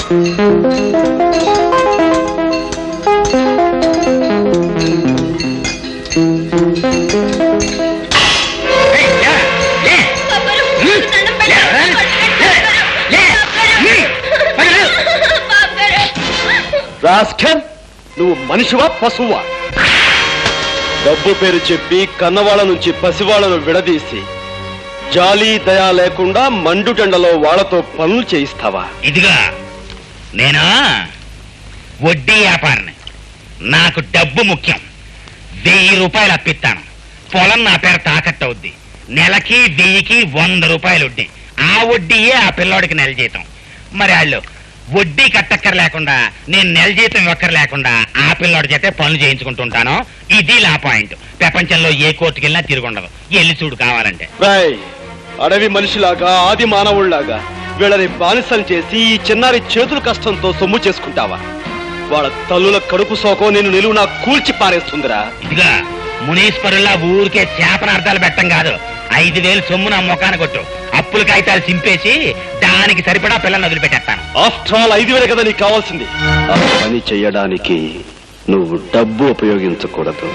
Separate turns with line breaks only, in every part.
Rascal, నువ్వు మనిషివా పశువా? డబ్బు పేరు చెప్పి కన్నవాళ్ళ నుంచి పసివాళ్లను విడదీసి జాలి దయా లేకుండా మండుటెండలో వాళ్లతో పనులు చేయిస్తావా?
ఇదిగా నేనా వడ్డీ వ్యాపారిని. నాకు డబ్బు ముఖ్యం. 1000 రూపాయలు అప్పిస్తాను. పొలం నా పేరు తాకట్టవుద్ది. నెలకి 1000కి 100 రూపాయలు వడ్డీ. ఆ వడ్డీయే ఆ పిల్లోడికి నెల జీతం. మరి వాళ్ళు వడ్డీ కట్టక్కర లేకుండా నేను నెల జీతం ఇవ్వక్కర లేకుండా ఆ పిల్లోడి చేతే పనులు చేయించుకుంటుంటాను. ఇది లా పాయింట్. ప్రపంచంలో ఏ కోర్టుకి వెళ్ళినా తిరుగుండదు. ఎల్లి చూడు కావాలంటే.
అడవి మనిషిలాగా ఆది మానవుళ్లాగా వీళ్ళని బానిసలు చేసి ఈ చిన్నారి చేతుల కష్టంతో సొమ్ము చేసుకుంటావా? వాళ్ళ తల్లుల కడుపు సోకం నేను నిలువునా కూల్చి పారేస్తుందిరా.
ఇదిగా మునీశ్వరుల్లా ఊరికే శాపనార్థాలు పెట్టం కాదు. 5000 సొమ్ము నా మొఖాన కొట్టు. అప్పుల కాగితాలు చింపేసి దానికి సరిపడా పిల్లల్ని వదిలిపెట్టేస్తాను.
ఆఫ్టర్ ఆల్ 5000 కదా నీకు కావాల్సింది. ఆ పని చెయ్యడానికి నువ్వు డబ్బు ఉపయోగించకూడదు.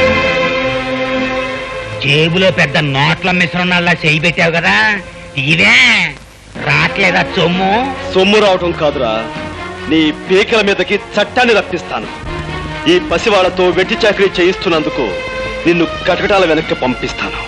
జేబులో పెద్ద నోట్ల మిశ్రణాల్లా చేయి పెట్టావు కదా, ఇదే రాట్లేదా సొమ్ము?
సొమ్ము రావటం కాదురా, నీ పీకల మీదకి చట్టాన్ని రప్పిస్తాను. ఈ పసివాళ్లతో వెట్టి చాకరీ చేయిస్తున్నందుకు నిన్ను కటకటాల వెనక్కి పంపిస్తాను.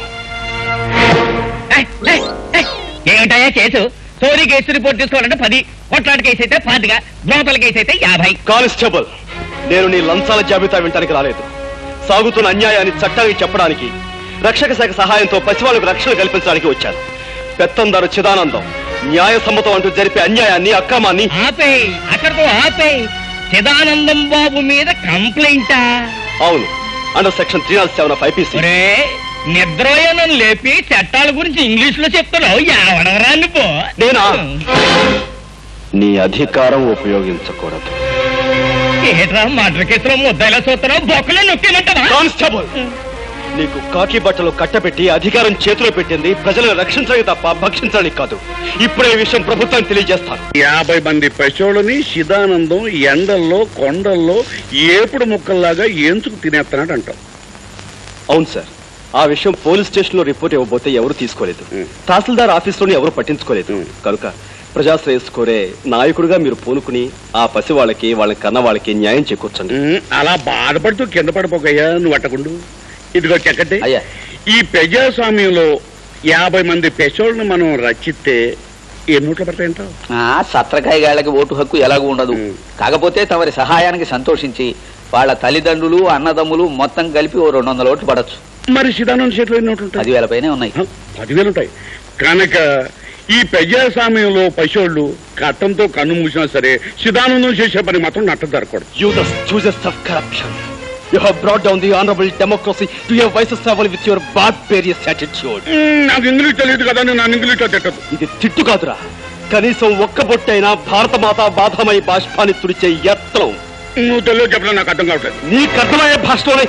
ఏమిటాయా కేసు? చోరీ కేసు రిపోర్ట్ తీసుకోవాలంటే 10, కొట్లాట కేసు అయితే 10, లోపల కేసు అయితే 50.
కానిస్టేబుల్, నేను నీ లంచాల జాబితా వినటానికి రాలేదు. సాగుతున్న అన్యాయాన్ని చట్టానికి చెప్పడానికి, రక్షక శాఖ సహాయంతో పసివాళ్లకు రక్షణ కల్పించడానికి వచ్చాను. పెత్తందారు చిదానందం న్యాయ సమ్మతం అంటూ జరిపే అన్యాయాన్ని, అక్రమాన్ని
అక్కడితో ఆపే. చిదానందం బాబు మీద కంప్లైంటా?
అవును, అండర్ సెక్షన్ 307 of IPC.
నిద్రయోనం లేపి చట్టాల గురించి ఇంగ్లీష్ లో చెప్తున్నావు. ఎవడవరా నువ్వు?
నేనా? నీ అధికారం ఉపయోగించకూడదు.
ఏట్రా మర్డర్ కేసులో ముద్దాయిలా చూస్తున్నావు? బొక్కలో నొక్కేమంటావా?
కానిస్టేబుల్, నీకు కాకి బట్టలు కట్టబెట్టి అధికారం చేతిలో పెట్టింది ప్రజలను రక్షించడానికి తప్ప భక్షించడానికి కాదు. ఇప్పుడే ఈ విషయం ప్రభుత్వానికి తెలియజేస్తాను.
50 మంది పశువులని శిదానందం ఎండల్లో కొండల్లో ఏపుడు ముక్కల్లాగా ఏంచుకు తినేస్తున్నాడు అంటావు.
అవును సార్, ఆ విషయం పోలీస్ స్టేషన్ లో రిపోర్ట్ ఇవ్వబోతే ఎవరు తీసుకోలేదు. తహసీల్దార్ ఆఫీసులోని ఎవరు పట్టించుకోలేదు. కనుక ప్రజాశ్రేయస్సు కోరే నాయకుడిగా మీరు పూనుకుని ఆ పసి వాళ్ళకి, వాళ్ళ కన్న వాళ్ళకి న్యాయం చేకూర్చండి.
అలా బాధపడుతూ కింద పడిపోకయ్యా నువ్వు అట్టకుండు. ఇదిగో చెక్కటి, ఈ ప్రజాస్వామ్యంలో 50 మంది పెసోళ్ళను మనం రచిస్తే ఏ నోట్లు పడతాయంటావు?
సత్రకాయ గాళ్ళకి ఓటు హక్కు ఎలాగూ ఉండదు. కాకపోతే తమరి సహాయానికి సంతోషించి వాళ్ళ తల్లిదండ్రులు, అన్నదమ్ములు మొత్తం కలిపి 200 ఓట్లు పడచ్చు.
మరి శిదానంద చేతిలో ఎన్ని నోట్లు ఉంటాయి?
10,000 పైనే ఉన్నాయి.
10,000 ఉంటాయి కనుక ఈ ప్రజాస్వామ్యంలో పశువులు కట్టంతో కన్ను మూసినా సరే శిదానందం చేసే పని మాత్రం నట్ట జరగకూడదు.
You the stooges of corruption. You have brought down the honorable democracy to your vices level with your barbarous attitude.
నాకు ఇంగ్లీష్ తెలియదు కదా, నేను ఇంగ్లీష్ లో తిట్టదు.
ఇది తిట్టు కాదురా, కనీసం ఒక్క బొట్టైనా భారత మాత బాధమై బాష్పాన్ని తుడిచే యత్నం.
నువ్వు తెలుగు చెప్పడం నాకు అర్థం కావట్లేదు.
నీకు అర్థమయ్యే భాషలోనే.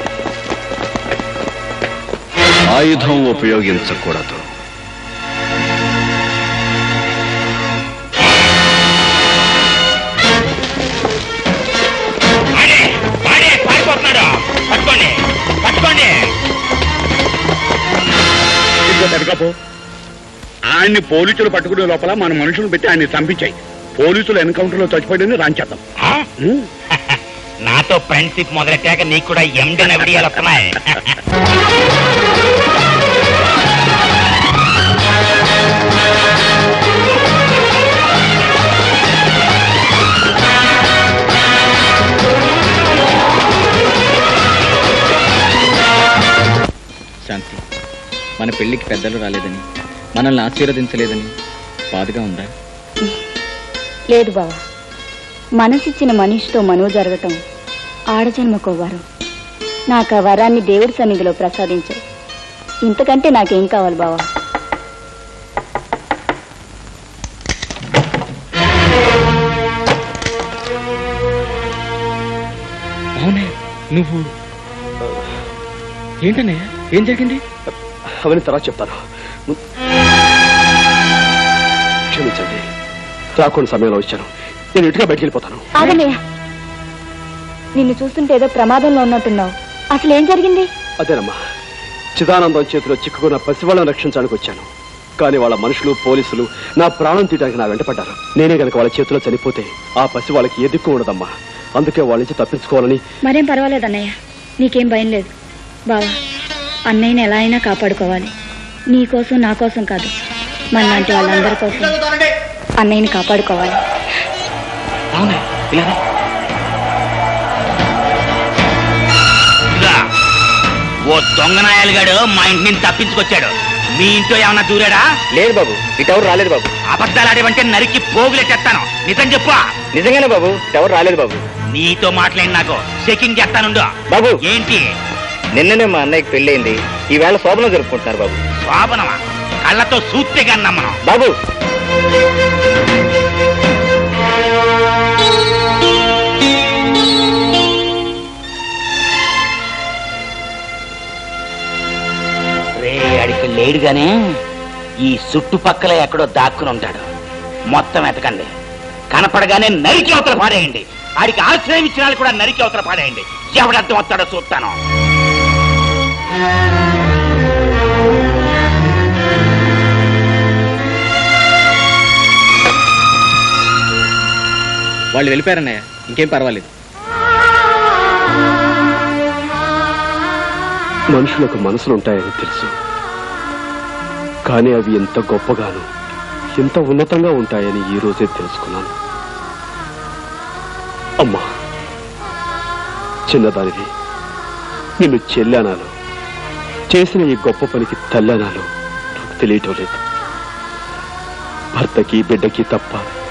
ఆయుధం ఉపయోగించకూడదు.
ఆయన్ని పోలీసులు పట్టుకునే లోపల మన మనుషులు పెట్టి ఆయన్ని చంపించాయి. పోలీసులు ఎన్కౌంటర్ లో చచ్చిపోయిందని రాంచేద్దాం.
నాతో ఫ్రెండ్షిప్ మొదలెట్టాక నీకు కూడా ఎండన విడియాలు వస్తున్నాయి.
శాంతి, మన పెళ్లికి పెద్దలు రాలేదని, మనల్ని ఆశీర్వదించలేదని బాధగా ఉందా?
లేదు బావా, మనసిచ్చిన మనిషితో మనువు జరగటం ఆడజన్మకో వరం. నాకు ఆ వరాన్ని దేవుడి సన్నిధిలో ప్రసాదించావు. ఇంతకంటే నాకేం కావాలి బావా?
అవునే, నువ్వు ఏంటన్నయ్య, ఏం జరిగింది?
అవన్నీ తర్వాత చెప్తాను. క్షమించండి, రాకుండా సమయంలో వచ్చాను. నేను ఇంటిగా బయటికి వెళ్ళిపోతాను.
ఆగన్నయ్య, నిన్ను చూస్తుంటే ఏదో ప్రమాదంలో ఉన్నట్టున్నావు. అసలు ఏం జరిగింది?
అదేనమ్మా, చిదానందం చేతిలో చిక్కుకున్న పసివాళ్ళని రక్షించడానికి వచ్చాను. కానీ వాళ్ళ మనుషులు పోలీసులు నా ప్రాణం తీయడానికి నా వెంట పడ్డారు. నేనే గనక వాళ్ళ చేతిలో చనిపోతే ఆ పసి వాళ్ళకి ఏ దిక్కు ఉండదమ్మా. అందుకే వాళ్ళ నుంచి తప్పించుకోవాలని.
మరేం పర్వాలేదు అన్నయ్య, నీకేం భయం లేదు. బావా, అన్నయ్యని ఎలా అయినా కాపాడుకోవాలి. నీ కోసం నా కోసం కాదు, మనలాంటి వాళ్ళందరి కోసం అన్నయ్యని కాపాడుకోవాలి.
ఓ దొంగనాయాలుగాడు మా ఇంటి నుంచి తప్పించుకొచ్చాడు. మీ ఇంట్లో ఏమన్నా దూరాడా?
లేదు బాబు, ఇటెవరు రాలేదు బాబు.
అబద్ధాలు ఆడేవంటే నరికి పోగులెట్టేస్తాను. నిజం చెప్పు.
నిజంగానే బాబు, ఇటెవరు రాలేదు బాబు.
నీతో మాట్లాడి నాకు చెకింగ్ చేస్తానుండు.
బాబు,
ఏంటి?
నిన్ననే మా అన్నయ్యకి పెళ్ళయింది. ఈవేళ శోభనం జరుపుకుంటున్నారు బాబు.
శోభనమా? కళ్ళతో సూత్తే కన్నా మనం.
బాబు,
రే అడికి లేడుగానే ఈ చుట్టుపక్కల ఎక్కడో దాక్కుని ఉంటాడు. మొత్తం ఎతకండి. కనపడగానే నరికి అవతల పాడేయండి. ఆడికి ఆశ్రయం ఇచ్చిన వాళ్ళు కూడా నరికి అవతల పాడేయండి. ఎవడర్థం వస్తాడో చూస్తాను.
వాళ్ళు వెళ్ళిపోయారన్నయ్య, ఇంకేం పర్వాలేదు.
మనుషులకు మనసులుంటాయని తెలుసు, కానీ అవి ఎంత గొప్పగాను ఎంత ఉన్నతంగా ఉంటాయని ఈ రోజే తెలుసుకున్నాను. అమ్మా, చిన్నదానివి, నిన్ను చెల్లెనాలో చేసిన ఈ గొప్ప పనికి తల్లనాలో నాకు తెలియటం లేదు. భర్తకి బిడ్డకి తప్ప